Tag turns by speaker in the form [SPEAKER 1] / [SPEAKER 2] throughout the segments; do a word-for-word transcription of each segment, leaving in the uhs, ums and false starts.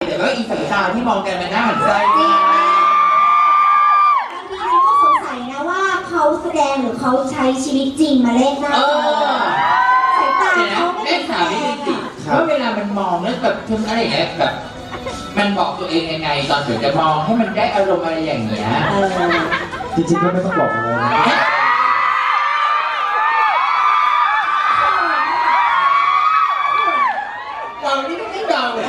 [SPEAKER 1] แต่ว่าอีสายตาที่มองกันมันน่าหมั่นไส้มาก
[SPEAKER 2] บางทีเราก็สงสัยนะว่าเขาแสดงหรือเขาใช้ชีวิตจริงมาเล่นหน้าสายตาเขาไม่เป็นแสดง
[SPEAKER 1] ว่าเวลามันมองแล้วแบบทำอะไรอย่างเงี้ยแบบมันบอกตัวเองยังไงตอนถึงจะมองให้มันได้อารมณ์อะไรอย่างเงี้ย
[SPEAKER 3] จริงๆก็ไม่ต้องบอกอะไรนะ
[SPEAKER 1] เรานี่ไม่เดาเลย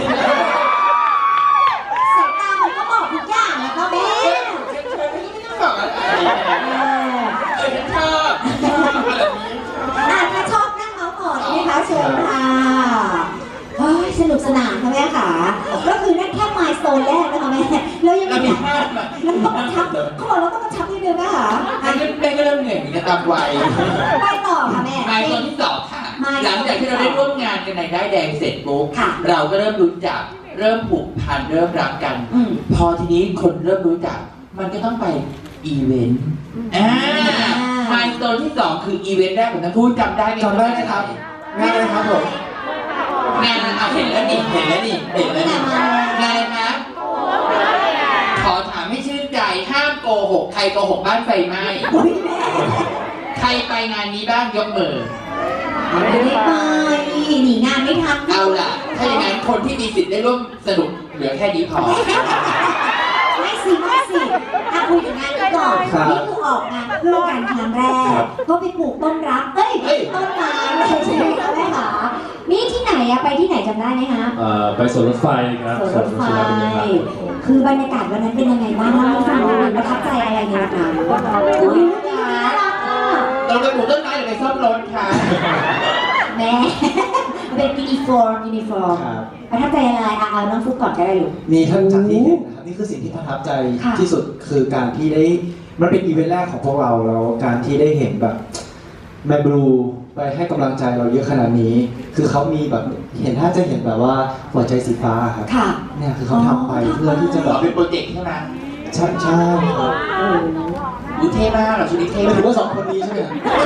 [SPEAKER 2] สายตามันก็บอกทุกอย่างแล้วก็แม่
[SPEAKER 1] ไม่ต้องบอกอะไรเออฉันชอบชอบแบบนี้
[SPEAKER 2] ถ้าชอบนั่งเมาส์ก่อนนะคะเชิญค่ะสนุกสนานค่ะแม่ค่ะก็คือนั่นแค่มายสโตนแรกนะคะแม่แล้วยังมีแล้วต้องกระชับเขาบอกแล้วต้องกระชับนิดนึงนะคะ
[SPEAKER 1] อันนี้แม่ก็เริ่มเหนื่อยมีกระตามวัย
[SPEAKER 2] ไปต่อค่ะแม่
[SPEAKER 1] มายตอนที่สองค่ะหลังจากที่เราได้ร่วมงานกันในได้แดงเสร็จปุ๊บเราก็เริ่มรู้จักเริ่มผูกพันเริ่มรักกันพอทีนี้คนเริ่มรู้จักมันก็ต้องไปอีเวนต์อ่ามายตอนที่สองคืออีเวนต์แรกของทั้งคู่จำได้ไหม
[SPEAKER 3] จำได้ไหมครับง่ายเลยครับผม
[SPEAKER 1] งานเอาเห็นแล้วนี่เห็นแล้วนี่เห็นแล้วนี่งานอะไรคะขอถามให้ชื่นใจห้ามโกหกใครโกหกบ้านไฟไหม้ใครไปงานนี้บ้างยกมือ
[SPEAKER 2] ไม่ได้ไปหนีงานไม่ทัน
[SPEAKER 1] เอาล่ะถ้าอย่างนั้นคนที่มีสิทธิ์ได้ร่วมสนุกเหลือแค่นี้พอ
[SPEAKER 2] ไม่สิไม่สิถ้าคุยถึงงานนี้ก่อนนี่คือออกงานเพื่อการครั้งแรกก็ไปปลูกต้นรักเอ้ยต้นไม้ใช่ไหมคะแม่คะนี่ที่ไหนอะไปที่ไหนจำได้ไหมคะ
[SPEAKER 3] เอ่อไปสวนรถไฟครับ
[SPEAKER 2] สวนรถไฟคือบรรยากาศวันนั้นเป็นยังไงบ้างเล่าให้ฟังหน่อยประทับใจอะไรในวันนั้นอุ้ยน่ารักอ่ะ
[SPEAKER 1] เราไปปลูกต้นไม้หรือไปซ่อมรถคะ
[SPEAKER 2] แม่เป็นยูนิฟอร์มยูนิฟอร์มประทับใจอะไรอ่ะเอาน้องฟุกก่อนก็ได้ลูก
[SPEAKER 3] มีท่านจากที่เห็นนะครับนี่คือสิ่งที่ประทับใจที่สุดคือการที่ได้มันเป็นอีเวนต์แรกของพวกเราแล้วการที่ได้เห็นแบบแมบลูไปให้กำลังใจเราเยอะขนาดนี้คือเขามีแบบเห็นถ้าจะเห็นแบบว่าหัวใจสีฟ้าครับเนี่ยคือเขาทำไปเพื่อที่จะแบบ
[SPEAKER 1] เป็นโปรเจกต์ใช่ไหม
[SPEAKER 3] ใช่ใช่ครับ
[SPEAKER 1] ดูเท่มากเหรอชุดนี้เท่
[SPEAKER 3] ไม่ถือว่าสองคนนี้ใช่ไหม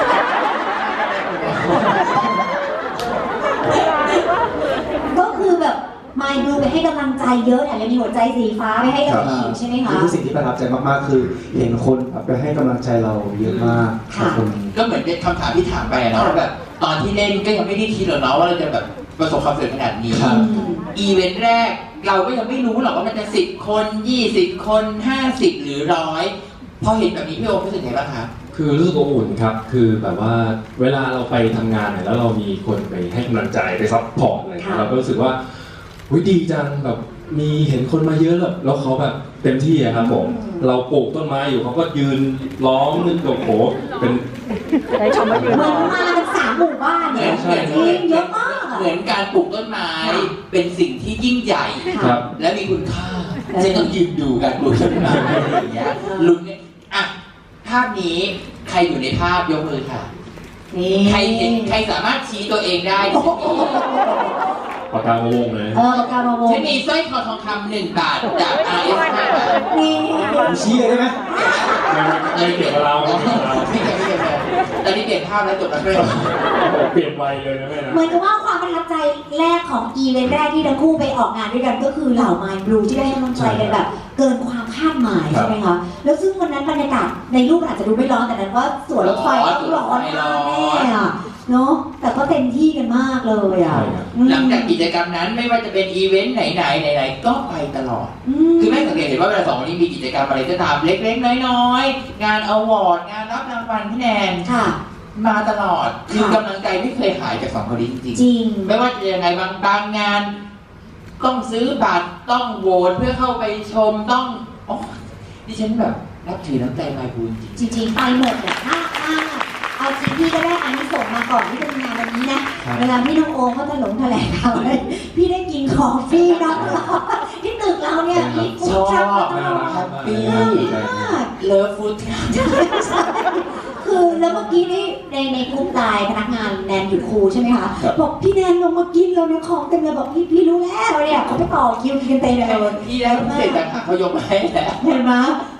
[SPEAKER 2] ก็คือแบบมายดูไปให้กำลังใจเยอะแถมยังมีหัวใจสีฟ้าไปให้กับอีกใช่ไหมคะ
[SPEAKER 3] นี่คือสิ่งที่ประทับใจมากๆคือเห็นคนไปให้กำลังใจเราเยอะมาก
[SPEAKER 1] ก็เหมือนเป็นคำถามที่ถามไปนะแบบตอนที่เล่นก็ยังไม่ได้คิดหรอกเนาะว่าเราจะแบบประสบความสำเร็จขนาดนี้อีเวนต์แรกเราก็ยังไม่รู้หรอกว่ามันจะสิบคนยี่สิบคนห้าสิบหรือร้อยพอเห็นแบบนี้พี่โอรู้สึกไงบ้างคะ
[SPEAKER 4] คือรู้สึกอบอุ่นครับคือแบบว่าเวลาเราไปทำงานเนี่ยแล้วเรามีคนไปให้กำลังใจไปซัพพอร์ตอะไรเราก็รู้สึกว่าวิดีจังแบบมีเห็นคนมาเยอะแล้วเขาแบบเต็มที่อะครับผมเราปลูกต้นไม้อยู่เขาก็ยืนล้อมนึกโอ้โหเป็น
[SPEAKER 2] ได้ชมมาเยอะเหมือนมาเป็นสามหมู่บ้านเนี่ยจริงเยอะมาก
[SPEAKER 1] เหมือนการปลูกต้นไม้เป็นสิ่งที่ยิ่งใหญ่และมีคุณค่าจะต้องยืนดูการปลูกต้นไม้อย่างเงี้ยลุงเนี่ยอ่ะภาพนี้ใครอยู่ในภาพยกมือค่ะใครเห็นใครสามารถชี้ตัวเองได้
[SPEAKER 4] ปากกามาวงเลย
[SPEAKER 2] เออปากกามาวง
[SPEAKER 1] ฉันมีสร้อยคอทองคำหนึ่งบาทจาก อาร์ เอส ห้า บาท
[SPEAKER 2] นี่
[SPEAKER 3] ชี้เลยได้ไหม
[SPEAKER 4] ไม่เกี่ยวกับเรา
[SPEAKER 1] ไม่เกี่ยวไม่เกี่ยวตอนนี้เปลี่ยนภาพแล้วจบแล้วด้วย
[SPEAKER 4] เปลี่ยนไวเลยนะแม่นะ
[SPEAKER 2] เหมือนกับว่าความประทับใจแรกของอีเวนต์แรกที่ทั้งคู่ไปออกงานด้วยกันก็คือเหล่ามายบลูที่ได้ให้กำลังใจกันแบบเกินความคาดหมายใช่ไหมคะแล้วซึ่งวันนั้นบรรยากาศในรูปอาจจะดูไม่ร้อนแต่นั้นว่าสวนรถไฟต้องร้อนมากแน่อะเนาะแต่ก็เต็มที่กันมากเลยอ่ะ
[SPEAKER 1] หลังจากกิจกรรมนั้นไม่ว่าจะเป็นอีเวนต์ไหนๆไหนๆก็ไปตลอดคือแม่สังเกตเห็นว่าเวลาสองคนนี้มีกิจกรรมอะไรก็ตามเล็กๆน้อยๆงานอวอร์ดงานรับรางวัลพี่แนนมาตลอดคือกำลังใจไม่เคยหายจากสองคนนี้จริง
[SPEAKER 2] จริง
[SPEAKER 1] ไม่ว่าจะยังไงบางบางงานต้องซื้อบัตรต้องโหวตเพื่อเข้าไปชมต้องอ๋อดิฉันแบบนับถือน้ำใจมายบลู
[SPEAKER 2] จริงจริงไปหมดเนี่ยถ้าเอาจริงพี่ก็ได้อันนี้ส่งมาก่อนที่จะมีงานวันนี้นะเวลาพี่น้องโอเขาจะหลงแถลงข่าวเลยพี่ได้กินของฟรีน้องเราที่ตึกเราเนี่ยพี่
[SPEAKER 1] ชอบแฮปปี้เลิฟฟู้ด
[SPEAKER 2] คือแล้วเมื่อกี้นี่ในในกลุ่มไลน์พนักงานแนนหยุดครูใช่ไหมคะบอกพี่แนนลงมากินแล้วนะของเต็มเลยบอกพี่พี่รู้แล้วเนี่ยเขาไปต่อคิวกินเต็มเลย
[SPEAKER 1] พี่แล้วเสร็จแล้วค่ะเขายกมาให้แล้ว
[SPEAKER 2] เห็นไหม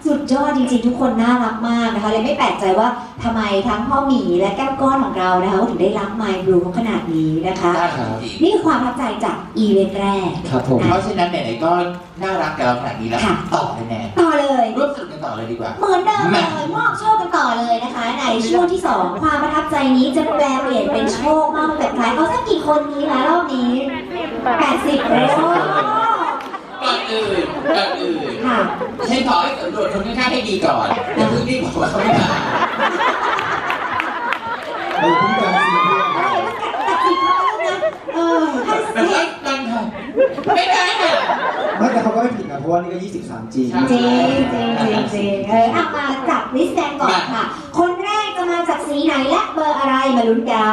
[SPEAKER 2] สุดยอดจริงๆทุกคนน่ารักมากนะคะเลยไม่แปลกใจว่าทำไมทั้งพ่อหมีและแก้วก้อนของเรานะคะถึงได้รัก My Blue ขนาดนี้นะคะ
[SPEAKER 1] ได้ครับ
[SPEAKER 2] นี่คือความประทับใจจากอีเวนต์แรก
[SPEAKER 3] ครับผม
[SPEAKER 1] เพราะฉะนั้นไหนๆก็น่ารักกับเราขนาดนี้แล้ว
[SPEAKER 2] ค่ะ
[SPEAKER 1] ต่อเลยแน่
[SPEAKER 2] ต่อเลย
[SPEAKER 1] ร่วมสนุกกันต่อเลยดีกว่า
[SPEAKER 2] เหมือนเดิมเลยมอบโชคกันต่อเลยนะคะ ในช่วงที่สองความประทับใจนี้จะแปลเปลี่ยนเป็นโชคมากแบบใครเอาสักกี่คนนี้คะรอบนี้แปดสิบโอ้
[SPEAKER 1] ก่อนอื่นก่อนอื่น
[SPEAKER 2] ค่ะ
[SPEAKER 1] ฉันขอให้สำรวจคนข้างๆให้ดีก่อนอย่าเพิ่งรีบบอกว่าเขาไม่มา
[SPEAKER 3] เราเพิ่งการซีเรียส
[SPEAKER 2] อะไรมันกัดตัดสิบมาแล้วนะเออให้
[SPEAKER 1] แต่
[SPEAKER 2] เสี
[SPEAKER 1] ก็
[SPEAKER 2] ย
[SPEAKER 1] ตั้งค่ะไม่ได้ค่ะ
[SPEAKER 3] ไม่แต่เขาก็ไม่ผิดนะเพราะว่านี่ก็ยี่สิบสามจริง
[SPEAKER 1] ใช่
[SPEAKER 2] จริงจริงจริงจริงเออเอามาจับลิสต์แดงก่อนค่ะ คนแรกจะมาจากสีไหนและเบอร์อะไรมาลุ้นกัน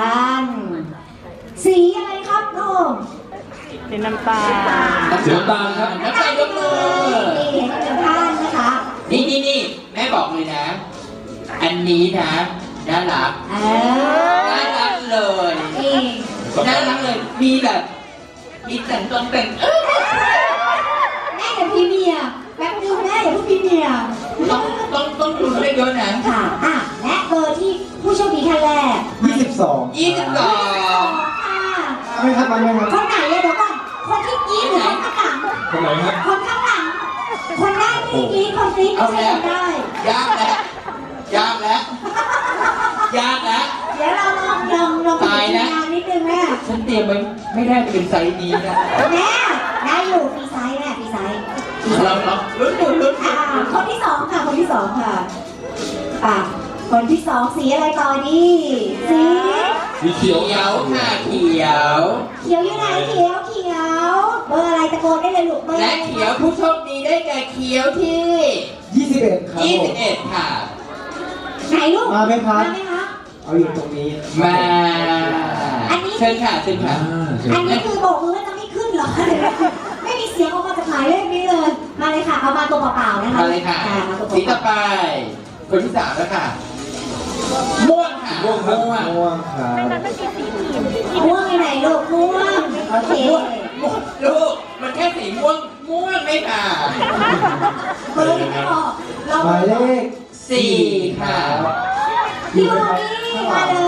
[SPEAKER 2] สีอะไรครับน้อง
[SPEAKER 5] สีน้ำตาล
[SPEAKER 4] เสียงตามครับ
[SPEAKER 1] น้ำใจยกมือ
[SPEAKER 2] นี่เห็นหนึ่งท่านนะคะ
[SPEAKER 1] นี่นี่นี่แม่บอกเลยนะ อันนี้นะน่ารัก
[SPEAKER 2] เอ
[SPEAKER 1] น่ารักเลย
[SPEAKER 2] อนี่
[SPEAKER 1] น่ารักเลยมีแบบมีแต่งตนแต่งเอ้ย
[SPEAKER 2] แม่อย่าพี่เมียแป๊บนึงแม่อย่าเพิ่งพี่เมีย
[SPEAKER 1] ต้องต้องต้องดูให้เยอะนะ
[SPEAKER 2] ค่ะอ่ะและเบอร์ที่ผู้โชคดีท่านแรก
[SPEAKER 3] ยี่สิบสอง
[SPEAKER 1] ยี่สิบสอง
[SPEAKER 2] ค่ะ
[SPEAKER 3] ไม่ครับไม่ครับ
[SPEAKER 2] คนไหนเลยเดี๋ยวก่อนคนที่กรี๊ดหรือคนข้างหลัง
[SPEAKER 4] คนไหนครับ
[SPEAKER 2] คนข้างหลัง คนแรกที่กรี๊ดคนกรี๊ดไม่ใช่คนได้
[SPEAKER 1] ยากแล้วยากแล้วยากแล้ว
[SPEAKER 2] เดี๋ยวเราลองลองลอง
[SPEAKER 1] ตายนะ
[SPEAKER 2] งานนิดนึงแม่
[SPEAKER 1] ฉันเตรียมไว้ไม่ได้จะเป็นไซส์นี้นะ
[SPEAKER 2] แม่ได้อยู่ฟรีไซส์แม่ฟรีไซส์
[SPEAKER 1] เราเราลุ้นดูลุ้น
[SPEAKER 2] อ่าคนที่สองค่ะ คนที่สองค่ะอ่ะคนที่สองสีอะไรต่อดีสี
[SPEAKER 4] มีเขียว
[SPEAKER 1] เขียวค่ะเขียว
[SPEAKER 2] เขียวอยู่ไหนเขียวเขียวเบอร์อะไรตะโกนได้เลยลูกเบอร์
[SPEAKER 1] และ
[SPEAKER 2] อะไร
[SPEAKER 1] เขียวผู้โชคดีได้แก่เขียวที่
[SPEAKER 3] ยี่สิบเอ็ดครับ
[SPEAKER 1] ยี่
[SPEAKER 3] ผ
[SPEAKER 1] สิ
[SPEAKER 3] ม
[SPEAKER 1] บเอ็ดค่ะ
[SPEAKER 2] ไหนลูก
[SPEAKER 3] มาไหมครับ
[SPEAKER 2] มาไหมคะ
[SPEAKER 3] เอาอยู่ตรงนี้
[SPEAKER 1] มา
[SPEAKER 2] อันนี้
[SPEAKER 1] เชิญค่ะเชิญ
[SPEAKER 4] อ่า
[SPEAKER 1] ค่ะ
[SPEAKER 4] เชิญ
[SPEAKER 2] อันนี้คือโบกมือว่าจะไม่ขึ้นเหรอคะไม่มีเสียงออกมาจากหมายเลขนี้เลย มาเลยค่ะ เอามาตัวเปล่าๆนะคะ
[SPEAKER 1] มาเลยค่ะ
[SPEAKER 2] อ่มาตัว
[SPEAKER 1] สี
[SPEAKER 2] เป
[SPEAKER 1] ต่อ
[SPEAKER 2] ล่า
[SPEAKER 1] ไป คนที่สามแล้วค่ะ ม่วงค่ะ
[SPEAKER 4] ม่วงครับ
[SPEAKER 1] ม่วง
[SPEAKER 3] ม่วงครับ
[SPEAKER 2] ๆม่วงอยู่ไหนลูกม่วงโอเค
[SPEAKER 1] ม่วงม่วงลูกมันแค่สีม่วงม่วงไม่ค่ะ
[SPEAKER 2] เบอร์ยังไม่บอกเรา
[SPEAKER 3] หมายเลข
[SPEAKER 1] สี่ค่ะ
[SPEAKER 2] พี่โมนี่มาเลย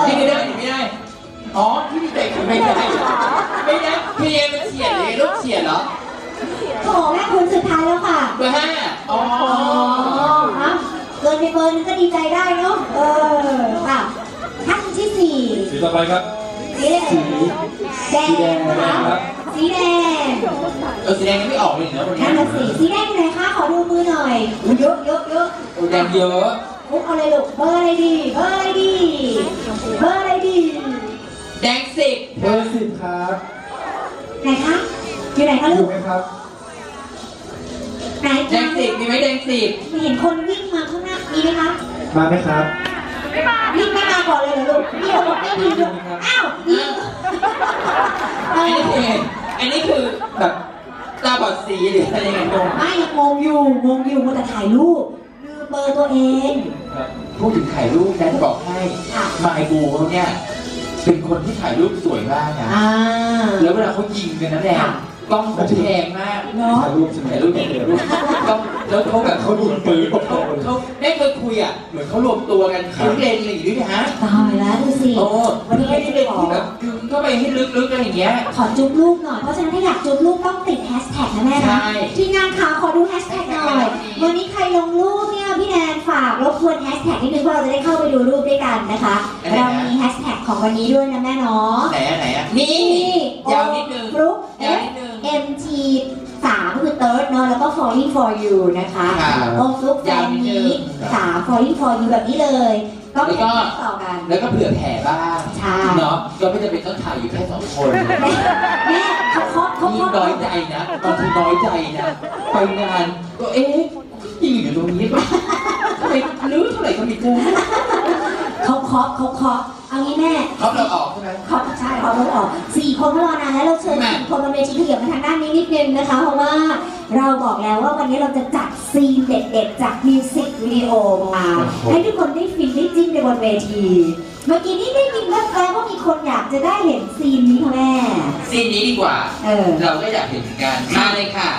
[SPEAKER 1] นี่ไม่ได้นี่ไม่ได้ อ๋อที่พี่เตะคือไม่ได้ไม่ได้เพียมันเฉียดเลยลูกเฉียดเหรอ
[SPEAKER 2] โถแม่คุณสุดท้ายแล้วค่ะ
[SPEAKER 1] เบอร์ห้าอ๋อ
[SPEAKER 2] อ๋อฮะเกินไปเบอร์นึงก็ดีใจได้เนาะ เออค่ะท่านที่สี่
[SPEAKER 4] สีต่อไปครับ
[SPEAKER 2] สีแดงแดงนะคะสีแดง
[SPEAKER 1] เออสีแดงยังไม่ออกเลยเหรอวันนี้
[SPEAKER 2] นั่นน่ะสิสีแดงอยู่ไหนคะ ขอดูมือหน่อยเยอะเยอะเยอะ
[SPEAKER 1] โอ้แดงเยอะ
[SPEAKER 2] มุกเอาเลยลูก เบอร์อะไรดี เบอร์อะไรดี เบอร์อะไรดี
[SPEAKER 1] แดงสิบ
[SPEAKER 3] เบอร์สิบครับ
[SPEAKER 2] ไหนคะ อยู่ไหนคะ
[SPEAKER 3] อ
[SPEAKER 2] ลู
[SPEAKER 3] ยู่
[SPEAKER 2] ก
[SPEAKER 3] ไหมครับ
[SPEAKER 2] ไหน
[SPEAKER 1] แดงสิบมีไหมแดงสิบ
[SPEAKER 2] เห็นคนวิ่งมาข้างหน้า มีไหมคะ
[SPEAKER 3] มาไหมครับ
[SPEAKER 2] วิ่งไม่มาก่อนเลยเหรอลูกพี่บอกไม่มีลูกอ้าวยิงเอ
[SPEAKER 1] อันนี้
[SPEAKER 2] อ
[SPEAKER 1] คืออันนี้คือแบบตาบอดสีหรืออะไรยังไงงง
[SPEAKER 2] ไม่งงอยู่งงอยู่มัวแต่ถ่ายรูปลืมเบอร์ตัวเอง
[SPEAKER 1] พูดถึงถ่ายรูปนะจะบอกให้
[SPEAKER 2] ค่ะ
[SPEAKER 1] มายบูเขาเนี่ยเป็นคนที่ถ่ายรูปสวยมากนะ
[SPEAKER 2] อ่า
[SPEAKER 1] แล้วเวลาเขายิงกันนะแดง
[SPEAKER 2] ค่ะ
[SPEAKER 1] กล้องเขาแพงมาก
[SPEAKER 2] เนาะ
[SPEAKER 3] ถ่ายรูปใช่ไหม
[SPEAKER 1] ถ่ายรูปถ่ายรูปกล้องแล้วเขาแบบ
[SPEAKER 3] เขายิงปืน
[SPEAKER 1] เขาเขาได้เคยคุยอ่ะเหมือนเขารวมตัวกันคิ้วเลนอะไรอย่างนี้ด้วยนะฮะ
[SPEAKER 2] ตายแล้วดูสิ
[SPEAKER 1] โอ้
[SPEAKER 2] วันนี้
[SPEAKER 1] ไม่
[SPEAKER 2] ไม่
[SPEAKER 1] ได้
[SPEAKER 2] ได้
[SPEAKER 1] เป็น
[SPEAKER 2] ขอ
[SPEAKER 1] ที่แบบดึงเข้าไปให้ลึกๆอะไรอย่างเงี้ย
[SPEAKER 2] ขอจุ๊บลูกหน่อย เพราะฉะนั้นถ้าอยากจุ๊บลูกต้องติดแฮชแท็กนะแม่
[SPEAKER 1] ใช่
[SPEAKER 2] นะทีมงานขาขอดูแฮชแท็กหน่อย วันนี้ใครลงรูปเนี่ยพี่แนนฝากรบกวนแฮชแท็กนิดนึงเพราะเราจะได้เข้าไปดูรูปด้วยกันนะคะ เรามีแฮชแท็กของวันนี้ด้วยนะแม่เนาะ
[SPEAKER 1] ไหนอ่ะไหนอ่ะนี่ยาวนิดนึง
[SPEAKER 2] ฟลุ๊ก
[SPEAKER 1] ยาวนิดนึง
[SPEAKER 2] เอ็ม ที สามคือ third เนอะแล้วก็ falling for you นะคะ
[SPEAKER 1] ค่ะ
[SPEAKER 2] โอฟลุ๊กแฟนนี้สาม falling for you แบบนี้เลย ก็เป็นต่อกัน
[SPEAKER 1] แล้วก็เผื่อแผ่บ้าง
[SPEAKER 2] ใช่
[SPEAKER 1] เนาะก็ไม่จำเป็นต้องถ่ายอยู่แค่สองคน
[SPEAKER 2] แม่แม่เขาเคาะเขา
[SPEAKER 1] นี่
[SPEAKER 2] เคาะ
[SPEAKER 1] น้อยใจนะบางทีน้อยใจนะไปงานก็เอ๊ะยิงอยู่ตรงนี้ก็ทำไมลื้อเท่าไหร่ก็มีกู
[SPEAKER 2] เขาเคาะเขาเคาะเอางี้แม่
[SPEAKER 1] เขาเราออกใช่ไหม
[SPEAKER 2] เขาใช่เขาต้องออกสี่คนเขารอนานแล้วเราเชิญ
[SPEAKER 1] แม่
[SPEAKER 2] สี่คนบนเวทีขยับมาทางด้านนี้นิดนึงนะคะ เพราะว่าเราบอกแล้วว่าวันนี้เราจะจัดซีนเด็ดๆจากมิวสิกวิดีโอมาให้ทุกคนได้ฟินได้จิ้นในบนเวที เมื่อกี้นี้ได้ยินแว่วๆว่ามีคนอยากจะได้เห็นซีนนี้ค่ะแม่
[SPEAKER 1] ซีนนี้ดีกว่า
[SPEAKER 2] เออ
[SPEAKER 1] เราก็อยากเห็นเหมือนกันมาเลยค่ะ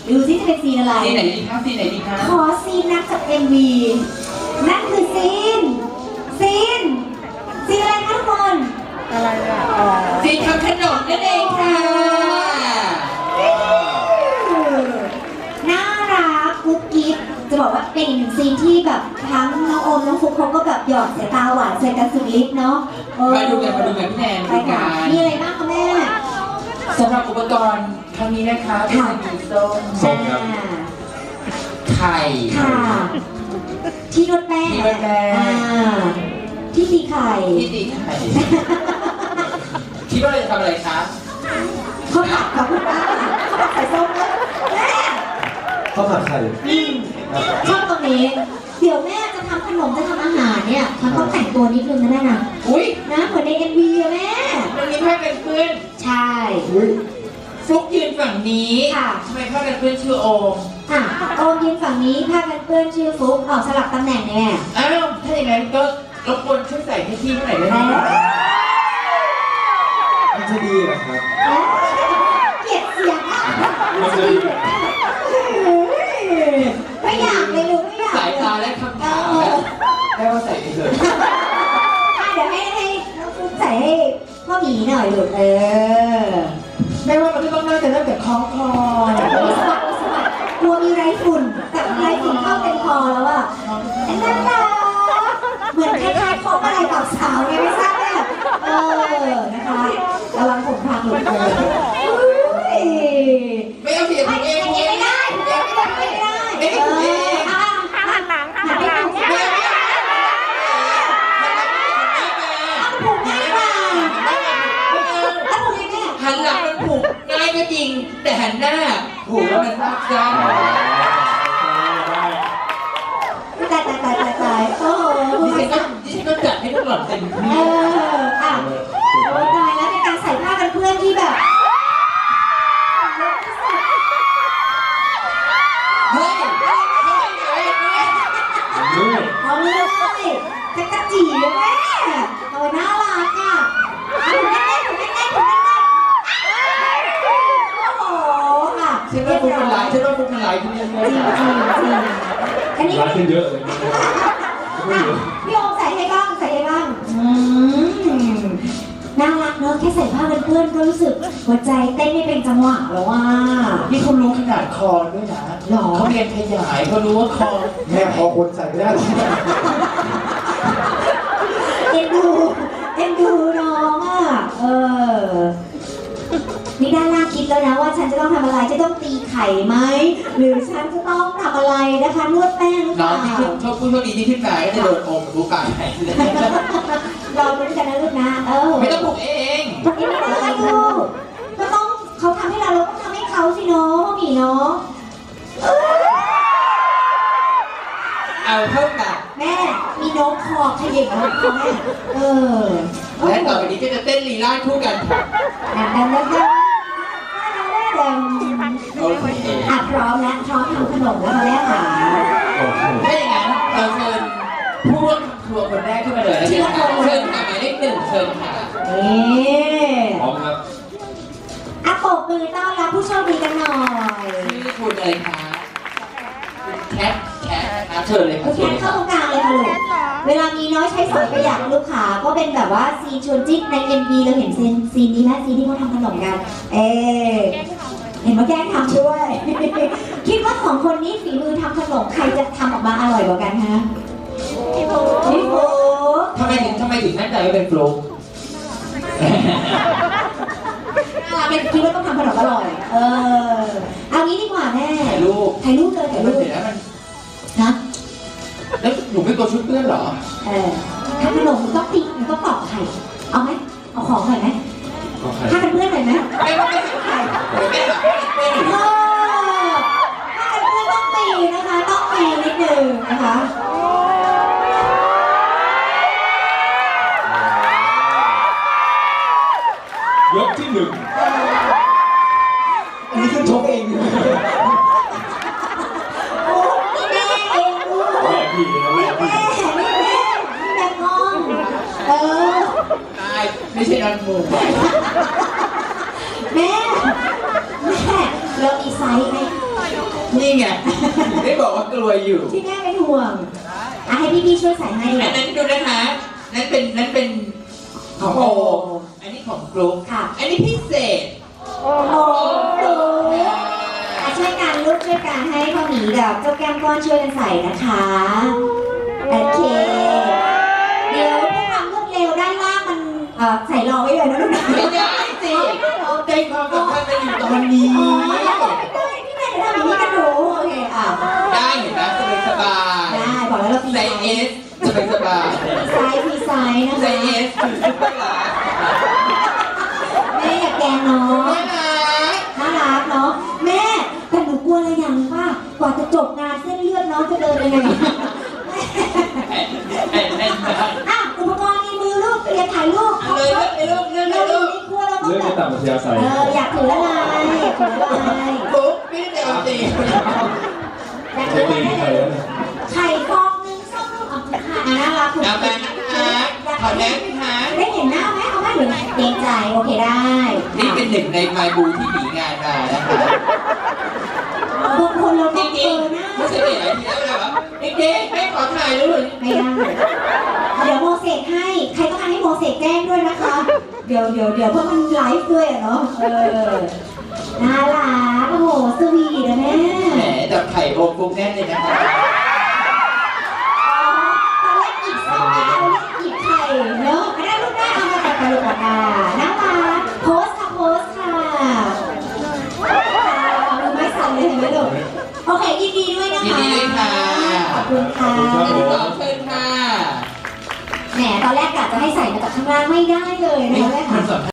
[SPEAKER 2] ดูซิจะเป็นซีนอะไร
[SPEAKER 1] ซีนไหนดีคะซีนไหนดีคะ
[SPEAKER 2] ขอซีนนักจาก เอ็ม วี นั่นคือซีน ซีน ซีนอะไรคะทุกคน
[SPEAKER 5] อะไรอ่ะ อ๋อ
[SPEAKER 1] ซีนทำขนมนั่นเองค่ะ
[SPEAKER 2] น่ารักกุ๊กกิ๊บจะบอกว่าเป็นอีกหนึ่งซีนที่แบบทั้งน้องโอมน้องฟุกเขาก็แบบหยอดสายตาหวานใส่กันสุดฤทธิ์เนาะเออ
[SPEAKER 1] มาดูกันมาดูกันพี่แนน
[SPEAKER 2] ไป
[SPEAKER 1] ดู
[SPEAKER 2] ค่ะ
[SPEAKER 1] กัน
[SPEAKER 2] มีอะไรบ้างคะแม่
[SPEAKER 1] สำหรับอุปกรณ์ครั้งนี้นะคะก็จะมีส้ม
[SPEAKER 4] ส้มครับ
[SPEAKER 2] อ่า
[SPEAKER 1] ไข่
[SPEAKER 2] ค่ะ ที่นวดแป้ง
[SPEAKER 1] ที่นวดแป้ง
[SPEAKER 2] อ่าที่ตีไข่
[SPEAKER 1] ที่ตีไข่คิดว่าเราจะทำอะไรคะ
[SPEAKER 2] ข้าวผัดกับคุณป้าข้าวผัดใส่ส้มด้วยแม่
[SPEAKER 3] ข้าวผัดไข่
[SPEAKER 2] อืมชอบตรงนี้ เดี๋ยวแม่จะทำขนมจะทำอาหารเนี่ยมันต้องแต่งตัวนิดนึงนะแม่นะ
[SPEAKER 1] อุ้ย
[SPEAKER 2] นะเหมือนใน เอ็ม วี อะแม่
[SPEAKER 1] มันมีผ้ากันเปื้อน
[SPEAKER 2] ใช่
[SPEAKER 3] อุ้ย
[SPEAKER 1] ฟลุกยืนฝั่งนี้
[SPEAKER 2] ค่ะ
[SPEAKER 1] ทำไมผ้ากันเปื้อนชื่อโอม
[SPEAKER 2] อ่ะโอมยืนฝั่งนี้ผ้ากันเปื้อนชื่อฟุ๊กออกสลับตำแหน่งเนี่ย
[SPEAKER 1] อ้าว ถ้าอย่างนั้นก็รบกวนช่วยใส่ให้พี่เท่าไหร่ได้ไหม
[SPEAKER 3] มันจะดีเหรอครับ
[SPEAKER 2] เกลียดเสียงอ่ะ
[SPEAKER 4] มันจะดีแบบ
[SPEAKER 2] ไม่อยากเลยลูกไม่อยาก
[SPEAKER 1] สายตา
[SPEAKER 2] เลย
[SPEAKER 1] และคำถามนะแม่ว่าใส่ไปเถอะ
[SPEAKER 2] อ่ะเดี๋ยวให้ให้น้องฟุ๊กใส่ให้พ่อหมีหน่อยลูกเออ
[SPEAKER 1] แม่ว่ามันก็ต้องน่าจะเริ่มจากคล้องคอ
[SPEAKER 2] มีสวัสดิ์มีสวัสดิ์กลัวมีไรฝุ่นแต่ไรฝุ่นเข้าเต็มคอแล้วอ่ะไอ้นั่นน่ะเหมือนคล้ายๆพบอะไรกับสาวไงไม่ทราบเนี่ยเออนะคะระวังผมพังหลุดเลยอุ้ย
[SPEAKER 1] ไม่เอาเสียง
[SPEAKER 2] ไม่
[SPEAKER 1] เอง
[SPEAKER 2] ไม่ไม่ได้ไม่ได้ไม่ได้ไม่ได้เอออ่ะ
[SPEAKER 5] หันหลังหันหลัง
[SPEAKER 2] ไม่ได้ผูกง่ายกว่าแล้วผูกยังไง
[SPEAKER 1] หันหลังมันผูกง่ายก็จริง แต่หันหน้าผูกแล้วมันซับซ้อน
[SPEAKER 2] ตายตายตายตายตายโอ้โห
[SPEAKER 1] ดิฉันก็ดิฉันก็จัดให้ทุกหล่อนเต็ม
[SPEAKER 2] เอ
[SPEAKER 1] ที่
[SPEAKER 2] ออ่ะโอ้ตายแล้วเป็นการใส่ผ้ากันเพื่อนที่แบบ
[SPEAKER 1] เฮ้ยเฮ้ยเฮ้ยเฮ้ย
[SPEAKER 4] ด้วย
[SPEAKER 2] เอาเลยจักรจีเลยแม่โอ้น่ารักอ่ะเอาถูกแน่ๆถูกแน่ๆถูกแน่ๆโอ้โหอ่ะ
[SPEAKER 1] ฉันว่าฟุกมันหลายฉันว่าฟุกมันหลายทีเดียวเล
[SPEAKER 2] จริ
[SPEAKER 1] ย
[SPEAKER 2] งจริงจริงอันนี้
[SPEAKER 4] ร้านขึ้นเยอะเลยไม่เยอะ
[SPEAKER 2] พี่โอมใส่ให้บ้างใส่ให้บ้างอืมน่ารักเนอะแค่ใส่ผ้ากันเพื่อนก็รู้สึกหัวใจเต้นไม่เป็นจังหวะแล้วว่า
[SPEAKER 1] นี่เขารู้ขนาดคอด้วยนะ
[SPEAKER 2] หรอ
[SPEAKER 1] เขาเรียนขยายเขารู้ว่าคอ
[SPEAKER 3] แม่พอคนใส่ไม่ได้หรอก
[SPEAKER 2] เอ็นดูเอ็นดูน้องอ่ะเออนี่ด้านล่างคิดแล้วนะว่าฉันจะต้องทำอะไรจะต้องตีไข่ไหมหรือฉันจะต้องทำอะไรนะคะนวดแป้งหรือเป
[SPEAKER 1] น้อ
[SPEAKER 2] ล่าง
[SPEAKER 1] ที่ขึ้นชอบผู้โชคดีที่ขึ้นมาก็จะโดนอมกับผู้กายไป
[SPEAKER 2] รอไปด้วยกันนะลูกนะเออ
[SPEAKER 1] ไม่ต้องปลุกเอง
[SPEAKER 2] ทำไม่ได้ลูกก็ต้องเขาทำให้เราเราต้องทำให้เขาสิเนาะพ่อหมีเนาะ
[SPEAKER 1] เอาเท่ากับ
[SPEAKER 2] แม่มีน้องคอขยิบน้องคอแม่เออ
[SPEAKER 1] และต่อไปนี้ก็จะเต้นลีลาคู่กันค่ะ
[SPEAKER 2] ดำดำดำดำดำ
[SPEAKER 1] โอเค
[SPEAKER 2] อ่ะพร้อมแล้วพร้อมทำขนมแล้วค่ะแม่ค่ะ
[SPEAKER 3] โอเค
[SPEAKER 1] ถ้าอย่างนั้นเราเชิญผู้ร่วมครัวคนแรกขึ้นมาเลยแล้วกันค่ะเชิญค่ะหมายเลขหนึ่งเชิญค่ะ
[SPEAKER 2] นี่
[SPEAKER 4] พร้อมครับ
[SPEAKER 2] อ่ะปรบมือต้อนรับผู้โชคดีกันหน่อย
[SPEAKER 1] ชื่อคุณอะไรคะแคทแคทนะคะเชิญเลย
[SPEAKER 2] คุ
[SPEAKER 1] ค่ะ
[SPEAKER 2] ณ
[SPEAKER 1] เชิ
[SPEAKER 2] แค
[SPEAKER 1] ญ
[SPEAKER 2] ท
[SPEAKER 1] เลย
[SPEAKER 2] เข้า
[SPEAKER 1] ค่ะ
[SPEAKER 2] ตรงกลางเลยค่ะลูกเวลามีน้อยใช้สอยประหยัดลูกค้าก็เป็นแบบว่าซีนชวนจิ้นใน เอ็ม วี เราเห็นซีนซีนนี้ไหมซีนที่เขาทำขนมกัน เออเห็นว่าแกล้งทำด้วย คิดว่าสองคนนี้ฝีมือทำขนมใครจะทำออกมาอร่อยกว่ากันฮะพี่โบ๊พี่โบ๊
[SPEAKER 1] ทำไมถึงทำไมถึงมั่นใจว่าเป็นฟลุ๊ก
[SPEAKER 2] เป็นคิดว่าต้องทำขนมอร่อย เออ เอางี้ดีกว่าแม่
[SPEAKER 1] ถ่ายรูป
[SPEAKER 2] ถ่ายรูปเลยถ่าย
[SPEAKER 1] มั
[SPEAKER 2] รู
[SPEAKER 1] น
[SPEAKER 2] ป
[SPEAKER 1] เสร็จแล้วมัน
[SPEAKER 2] นะ
[SPEAKER 1] แล้วหนูไม่กลัวชุดเพื่อนเหรอ
[SPEAKER 2] เออทำขนมมันต้องตีมันต้องตอกไข่ เอาไหมเอาของหน่อยไหม
[SPEAKER 4] ก็ใคร
[SPEAKER 2] ถ้าเป็นเพื่อนหน่อยไหม
[SPEAKER 1] ไม่ไม่ไม่ใช่เดี๋ยวแม่แบบไม่
[SPEAKER 2] เออถ้าเป็นเพื่อนต้องตีนะคะ ต้องตีนิดนึงนะคะ
[SPEAKER 4] ยกที่หนึ่ง
[SPEAKER 3] อันนี้คือชกเองอยู่
[SPEAKER 2] โอ้นี่แม่เองลูก
[SPEAKER 4] แม่พี่นะแม่
[SPEAKER 2] แม่
[SPEAKER 4] พี่
[SPEAKER 2] นี่แม่นี่แม่กล้องเออ
[SPEAKER 1] ตายไม่ใช่นันมู
[SPEAKER 2] แม่ แม่เรามีไซส์ไหม
[SPEAKER 1] นี่ไงถึงได้บอกว่ากลัวอยู่
[SPEAKER 2] ที่แม่เป็นห่วงอ่ะให้พี่ๆช่วยใส่ให้ดีก
[SPEAKER 1] อัน
[SPEAKER 2] ว่า
[SPEAKER 1] นั้นดูนะคะนั่นเป็นนั่นเป็นของโออันนี้ของกรุ๊ป
[SPEAKER 2] ค่ะ
[SPEAKER 1] อันนี้พิเศษ
[SPEAKER 2] โอ้โหอ่ะช่วยกันลูกช่วยกันให้พ่อหมีกับเจ้าแก้มก้อนช่วยกันใส่นะคะโอเคเดี๋ยวผู้ทำรวดเร็วด้านล่างมันเอ่อใส่รอไว้เลยนะลูกนะ
[SPEAKER 1] ไม่ได้สิใจความสำคัญมันอยู่ตอนนี้
[SPEAKER 2] อ๋อได้พี่แม่เดี๋ยวทำอย่างนี้กันหนูโอเคอ่ะ
[SPEAKER 1] ได้เห็นไหมสบายสบาย
[SPEAKER 2] ได้บอกแล้วเราปี
[SPEAKER 1] ไซ
[SPEAKER 2] ไซ
[SPEAKER 1] ส์เอ
[SPEAKER 2] ส์
[SPEAKER 1] สสบายสบาย
[SPEAKER 2] ไซส์พีไซส์นะ
[SPEAKER 1] ไซ
[SPEAKER 2] คะ
[SPEAKER 1] ส์เอสคือซุปเปอร์ลาร์
[SPEAKER 2] แม่อย่าแกล้งน้อง
[SPEAKER 1] น่ารัก
[SPEAKER 2] น่ารักเนาะแม่แต่หนูกลัวอะไรอย่างป่ะกว่าจะจบงานเส้นเลือดน้องจะเดินยังไง
[SPEAKER 1] แอนแอนแอน
[SPEAKER 2] อ่ะอุปกรณ์ในมือลูกเตรียมถ่ายรูป
[SPEAKER 1] เอาเลยเลือกเลยลูกเลือกเล
[SPEAKER 2] เรา
[SPEAKER 1] ย
[SPEAKER 2] อ
[SPEAKER 1] ลู
[SPEAKER 2] ยู่
[SPEAKER 1] ก
[SPEAKER 2] ในครัวเราต้อง
[SPEAKER 4] เรื่อง
[SPEAKER 2] แบ
[SPEAKER 4] ใน
[SPEAKER 2] บ
[SPEAKER 4] ต่างประเทศใส่
[SPEAKER 2] เอออยากถืออะไรอยากถืออะไร
[SPEAKER 1] ปุ๊บพี่เดียวตี
[SPEAKER 2] อยาก
[SPEAKER 4] ใช้
[SPEAKER 2] ถือ
[SPEAKER 4] ตี
[SPEAKER 2] อะไร
[SPEAKER 4] ใครแล้วเนี่ย
[SPEAKER 2] ไข่ฟองนึงส้มลูกเอาค่ะอ่ะน่ารักถูก
[SPEAKER 1] เอาไปนะคะขอแนะนะคะ
[SPEAKER 2] ได้เห็นหน้าไหมเอาไหมหรือเกรงใจโอเคได้
[SPEAKER 1] นี่เป็นหนึ่งในไมบูที่หนีงานมานะคะ
[SPEAKER 2] บางคนเรา
[SPEAKER 1] จ
[SPEAKER 2] ต้องเจ
[SPEAKER 1] ริง
[SPEAKER 2] อหน้า
[SPEAKER 1] ๆไม่ใช่เด็กอะไรที่แล้วแบบเด็กๆให้ขอถ่ายรูป
[SPEAKER 2] ไม่ได้ เดี๋ยวโมเสกให้ ใครต้องการให้โมเสกแจ้งด้วยนะคะ เดี๋ยวเดี๋ยวเดี๋ยวเพราะมันไลฟ์ด้วยอะเนาะ เออ น่ารักโอ้โหสวีทนะแม่
[SPEAKER 1] แหมจับไข่โบกุ๊กแน่นเลยนะคะ
[SPEAKER 2] ตอนแรกอีกส้มตอนแรกอีกไข่เนาะอันนั้นลูกได้เอามาจากกระดูกอ่าน่ารักโพสค่ะโพสค่ะเอามือไม้สั่นเลยเห็นไหมลูกโอเคยินดีด้วยนะคะ
[SPEAKER 1] ยินดีด้วยค่ะ
[SPEAKER 2] ขอบคุณค่ะ
[SPEAKER 1] อันที่สองเชิญค่ะ
[SPEAKER 2] แหมตอนแรกกะจะให้ใส่มาจากข้างล่างไม่ได้เลยนะคะแม่
[SPEAKER 1] มั
[SPEAKER 2] ค่ะ
[SPEAKER 1] นสำคัญ